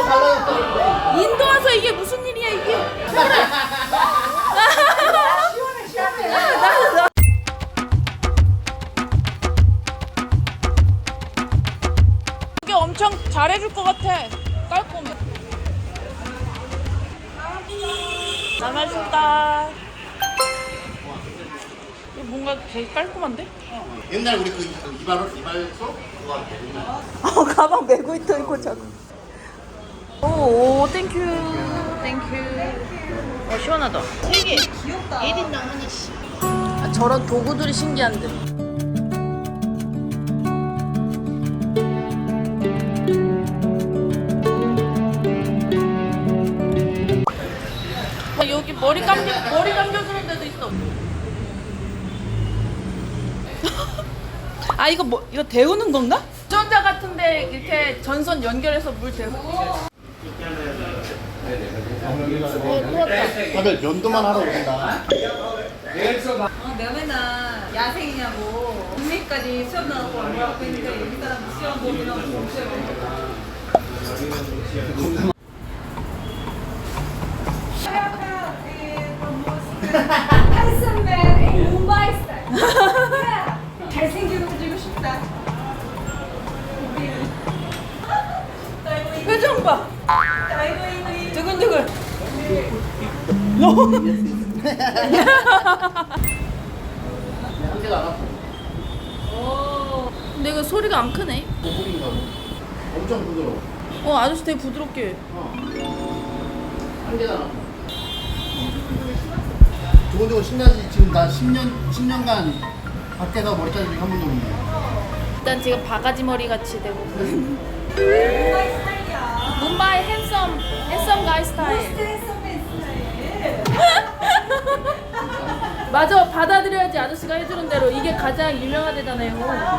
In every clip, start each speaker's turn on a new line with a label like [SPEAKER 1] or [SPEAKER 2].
[SPEAKER 1] 인도 와서 이게 무슨 일이야 이게? 시원해. 이게 엄청 잘해줄 것 같아. 깔끔해. 나가신다. 이거 뭔가 되게 깔끔한데?
[SPEAKER 2] 옛날 우리 그 이발소 그거
[SPEAKER 1] 가방 메고 있다 이거 자꾸. 오, 땡큐. 시원하다. 되게 귀엽다. 1인당 하나씩. 저런 도구들이 신기한데. 여기 머리 감겨주는 데도 있어. 아 이거 이거 데우는 건가? 전자 같은데 이렇게 전선 연결해서 물 데우고.
[SPEAKER 2] 다들 면도만 하러 오신다.
[SPEAKER 3] 내가 맨날 야생이냐고 국내까지 시험 나가고 뭐라고 했는데 여기 사람 시험 보면 없어요. 한숨맨 뭄바이 스타일. 잘생기고 해주고 싶다.
[SPEAKER 1] 표정 봐. 두근두근.
[SPEAKER 2] 한개도 안 아파.
[SPEAKER 1] 근데 이거 소리가 안 크네.
[SPEAKER 2] 고급인가 봐. 엄청 부드러워.
[SPEAKER 1] 아저씨 되게 부드럽게.
[SPEAKER 2] 한 개도 안 아파. 조곤조곤 신나지. 지금 나 10년간 밖에서 머리 자른 적이 한 번도 없네.
[SPEAKER 1] 일단 지금 바가지 머리 같이 되고.
[SPEAKER 3] 뭄바이 스타일이야.
[SPEAKER 1] 뭄바이 핸섬 가이 스타일.
[SPEAKER 3] 스트레스맨 스타일.
[SPEAKER 1] 맞아, 받아들여야지. 아저씨가 해주는 대로. 이게 가장 유명하대잖아요.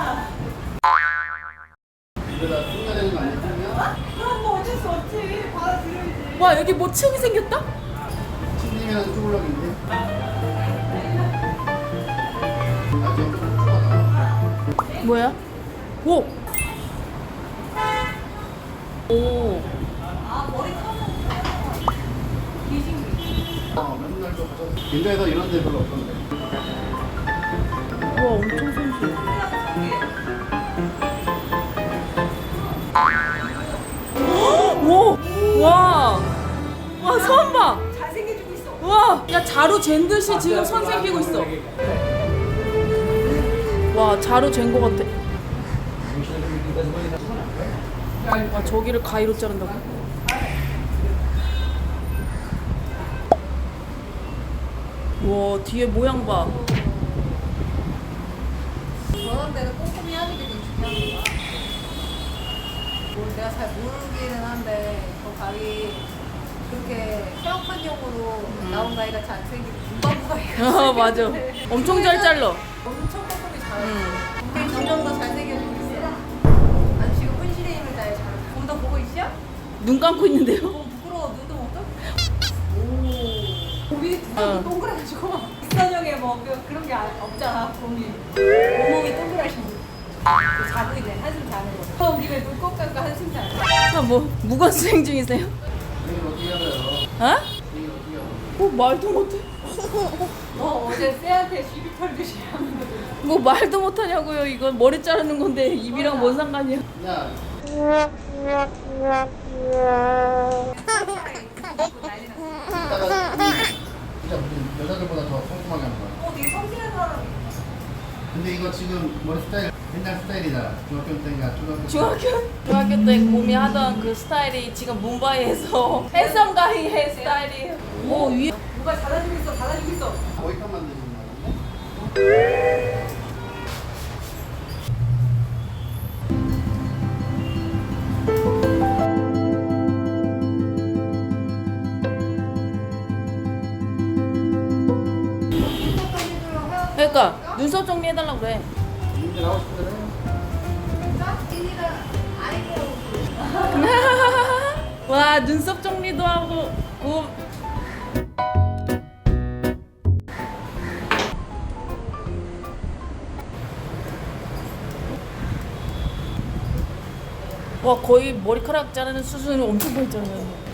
[SPEAKER 2] 이러다 숨겨야 되는 거 아니야?
[SPEAKER 3] 그럼 뭐 어쩔 수 없지. 받아들여야지.
[SPEAKER 1] 와, 여기 뭐 층이 생겼다?
[SPEAKER 2] 침님이랑 쭈블럭인데. 아, 지금 좀 추하다.
[SPEAKER 1] 뭐야? 오! 오.
[SPEAKER 3] 아 머리 감는 귀신기.
[SPEAKER 2] 맨날 좀 가서. 인도에서 이런 데 별로 없던데.
[SPEAKER 1] 우와, 엄청 섬세해. 오! 와! 와, 선 봐!
[SPEAKER 3] 잘생겨지고 있어.
[SPEAKER 1] 와! 야, 자루 잰 듯이 지금 선 생기고 있어. 와, 자루 잰 거 같아. 아, 저기를 가위로 자른다고? 와, 뒤에 모양 봐.
[SPEAKER 3] 저런 데는 꼼꼼히 하는 게 좀 중요한 거야. 뭐 내가 잘 모르기는 한데 저 가위 그렇게 평판용으로 나온 가위가 잘 생기고 금방 가위가
[SPEAKER 1] 아, 맞아. 엄청 잘 잘라.
[SPEAKER 3] 엄청 꼼꼼히 잘해.
[SPEAKER 1] 응.
[SPEAKER 3] 근데 점점 더 잘생겨지고 있어. 아니 지금 혼신의 힘을 다해 잘. 좀더 보고 있어?
[SPEAKER 1] 눈 감고 있는데요?
[SPEAKER 3] 너무 부끄러워. 눈도 못 떠? 오. 봄이
[SPEAKER 1] 어.
[SPEAKER 3] 동그라가지고 익선형에 뭐 그런 게 없잖아. 봄이. 온몸이 동그라신 분. 자고 있네. 한숨 자는 거. 처음 김에 눈 꼭 감고 한숨 자는 거.
[SPEAKER 1] 아, 뭐 무건 수행 중이세요?
[SPEAKER 2] 이걸 어떻게 하나요?
[SPEAKER 1] 어?
[SPEAKER 2] 이걸 어떻게 하나요?
[SPEAKER 1] 말도 못해.
[SPEAKER 3] 너 어제 쎄한테 시비 털듯이 하는 거지.
[SPEAKER 1] 뭐 말도 못하냐고요. 이건 머리 자르는 건데 입이랑 뭔 상관이야?
[SPEAKER 2] 야, 이따가 진짜 무슨 여자들보다 더 꼼꼼하게 하는 거야.
[SPEAKER 3] 되게 성실한 사람이.
[SPEAKER 2] 근데 이거 지금 머리 스타일 옛날 스타일이다. 중학교 때인가 초등학교 때.
[SPEAKER 1] 중학교 때 곰이 하던 그 스타일이 지금 뭄바이에서 핸섬 가이 헤어스타일이. 오, 위에
[SPEAKER 3] 누가 잘해주고 있어. 잘해주고 있어.
[SPEAKER 2] 머리카락 만드시는 거야?
[SPEAKER 1] 그러니까 눈썹 정리해달라고 그래.
[SPEAKER 2] 이제 나오고 싶은데.
[SPEAKER 1] 와, 눈썹 정리도 하고 곰. 와, 와 거의 머리카락 자르는 수준이 엄청 밝잖아요.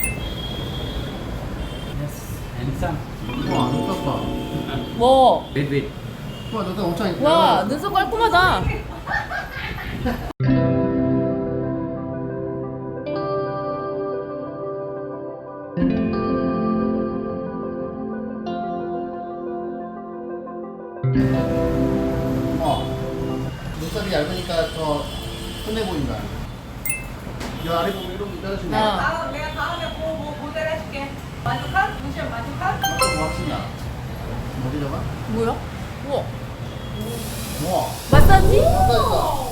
[SPEAKER 4] Yes, handsome.
[SPEAKER 2] 와 눈썹 봐.
[SPEAKER 1] 와,
[SPEAKER 4] Wait, wait.
[SPEAKER 2] 와 눈썹 엄청 이쁘다.
[SPEAKER 1] 와 눈썹 깔끔하다.
[SPEAKER 2] 눈썹이 얇으니까 더 순해 보인다. 이 아래 보면 이렇게 자르시네.
[SPEAKER 3] 내가 다음에 모델 해줄게. 만족한? 무시한 만족한?
[SPEAKER 2] 좀 확신나. 어디 잡아?
[SPEAKER 1] 뭐야? 우와.
[SPEAKER 2] 우와.
[SPEAKER 1] 마사지?
[SPEAKER 2] 감사합니다.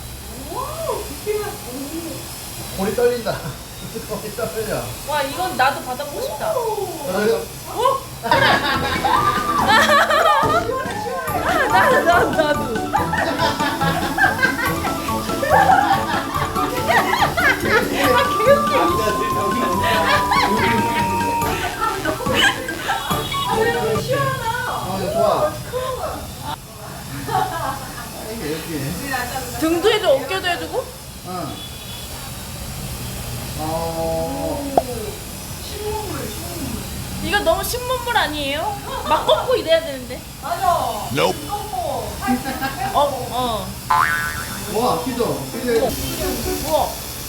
[SPEAKER 2] 골이 떨린다. 골이 떨려.
[SPEAKER 1] 와 이건 나도 받아보고 싶다. 나도.
[SPEAKER 2] 아, 이거 좋아. 이게 이렇게.
[SPEAKER 1] 등도 해줘, 어깨도 해주고.
[SPEAKER 2] 응.
[SPEAKER 1] 이거 너무 신문물 아니에요? 막 꺾고 이래야 되는데.
[SPEAKER 3] 맞아.
[SPEAKER 1] 어.
[SPEAKER 2] 와, 키도. 키도.
[SPEAKER 1] 우와.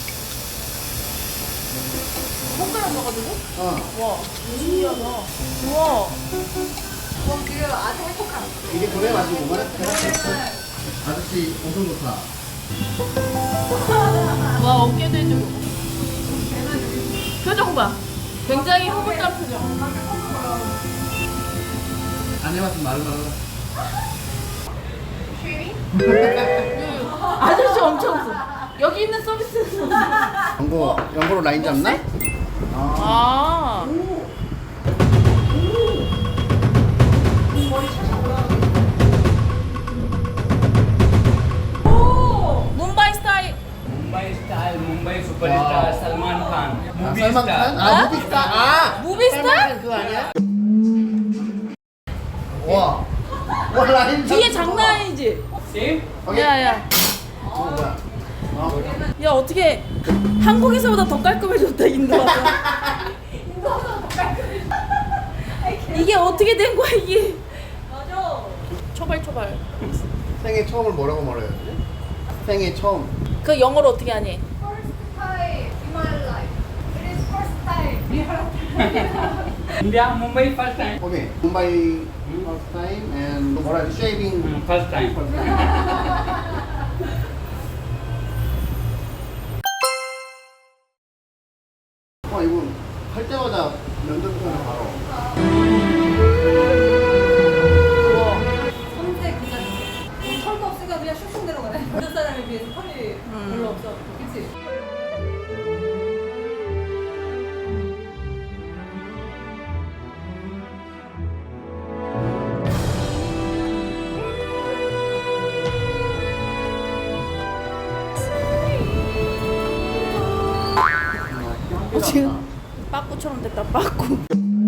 [SPEAKER 1] 손가락 넣어가지고?
[SPEAKER 2] 어.
[SPEAKER 1] 와, 신기하다. 우와.
[SPEAKER 3] 그럼 지금 아주 행복함.
[SPEAKER 2] 이게 그래 가지고 아저씨 엄청 좋다.
[SPEAKER 1] 와, 어깨도 해주고. 표정 봐. 굉장히 흐뭇한 표정.
[SPEAKER 2] 안 해봤으면 말로
[SPEAKER 1] 아저씨 엄청 웃어. 여기 있는 서비스는.
[SPEAKER 2] 연고로 라인 잡나?
[SPEAKER 1] 아. 문바이 스타일.
[SPEAKER 4] Mumbai style, Mumbai superstar Salman Khan. Movie
[SPEAKER 2] 살만
[SPEAKER 4] star.
[SPEAKER 2] 칸? 아, 무비스타. 아,
[SPEAKER 1] 무비스타?
[SPEAKER 2] 살만 칸 그거 아니야? 와. 와, 라인
[SPEAKER 1] 뒤에
[SPEAKER 2] 잡고
[SPEAKER 1] 장난 아니지?
[SPEAKER 4] Same.
[SPEAKER 2] 오케이.
[SPEAKER 1] 야야.
[SPEAKER 2] 뭐야?
[SPEAKER 1] 야 어떻게 한국에서보다 더 깔끔해졌다 인도 와서. 이게 어떻게 된 거야 이게?
[SPEAKER 3] 맞아.
[SPEAKER 1] 초발.
[SPEAKER 2] 생애 처음을 뭐라고 말해야 지 생애 처음.
[SPEAKER 1] 그 영어로 어떻게 하니?
[SPEAKER 3] First time in my life. It is first time in my life.
[SPEAKER 4] India, Mumbai first time.
[SPEAKER 2] 오케이. 문바이 first time and 뭐라 해야 돼? 쉐이빙.
[SPEAKER 4] First time.
[SPEAKER 2] 와, 이거 할 때마다 면도부터는 바로.
[SPEAKER 1] 우와.
[SPEAKER 3] 선제 그 자리. 털도 없으니까 그냥 슉슉 내려가네. 다른 사람에 비해서 털이 별로 없어. 그치?
[SPEAKER 1] 지금 빠꾸처럼 됐다 빠꾸.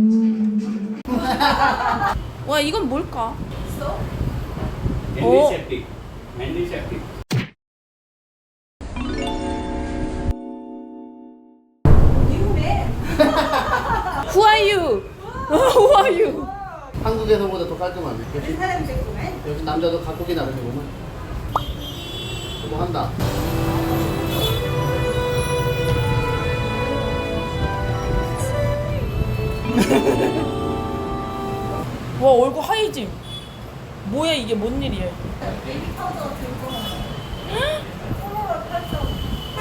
[SPEAKER 1] 와 이건 뭘까?
[SPEAKER 3] 있어?
[SPEAKER 4] Antiseptic. Antiseptic.
[SPEAKER 3] 미국에.
[SPEAKER 1] Who are you? Who are you?
[SPEAKER 2] 한국에서보다 더 깔끔하네.
[SPEAKER 3] 이
[SPEAKER 2] 역시,
[SPEAKER 3] 사람이 제품에.
[SPEAKER 2] 역시 남자도 각국이 다르네 보면. 뭐 한다.
[SPEAKER 1] 와 얼굴 하얘짐. 뭐야 이게 뭔 일이야?
[SPEAKER 3] 베이비 파우더 들고. 콜로라 8점.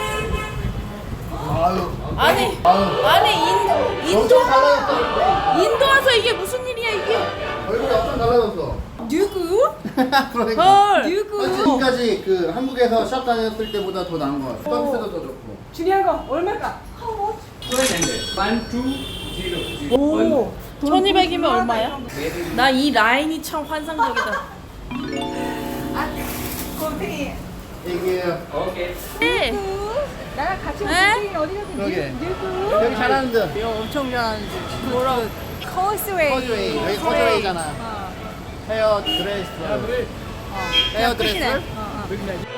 [SPEAKER 2] 아유.
[SPEAKER 1] 아니
[SPEAKER 2] 아유.
[SPEAKER 1] 아니
[SPEAKER 2] 엄청 달라졌어.
[SPEAKER 1] 인도 와서 이게 무슨 일이야 이게?
[SPEAKER 2] 얼굴이 엄청 달라졌어.
[SPEAKER 1] 누구?
[SPEAKER 2] 그러니까.
[SPEAKER 1] 헐.
[SPEAKER 2] 아, 지금까지 그 한국에서 샵 다녔을 때보다 더 나은 것 같아. 서비스도 더 좋고.
[SPEAKER 3] 중요한 거 얼마일까?
[SPEAKER 4] 1200. 1200.
[SPEAKER 1] 오. 1200이면 얼마야?
[SPEAKER 4] Very
[SPEAKER 1] 나 이 라인이 참 환상적이다.
[SPEAKER 3] 아, 곰탱이.
[SPEAKER 2] 이게
[SPEAKER 4] okay.
[SPEAKER 1] 네.
[SPEAKER 3] 나랑 같이
[SPEAKER 1] 에?
[SPEAKER 3] 곰탱이 어디 가든
[SPEAKER 2] 그러게.
[SPEAKER 3] 누구?
[SPEAKER 2] 여기 잘하는데.
[SPEAKER 1] 이거 엄청 잘하는지.
[SPEAKER 3] 뭐라고? 커스웨이.
[SPEAKER 2] 커즈웨이. 여기 커즈웨이잖아.
[SPEAKER 3] 어.
[SPEAKER 2] 헤어 드레스. 헤어 드레스.
[SPEAKER 3] 끝이네. 어, 어.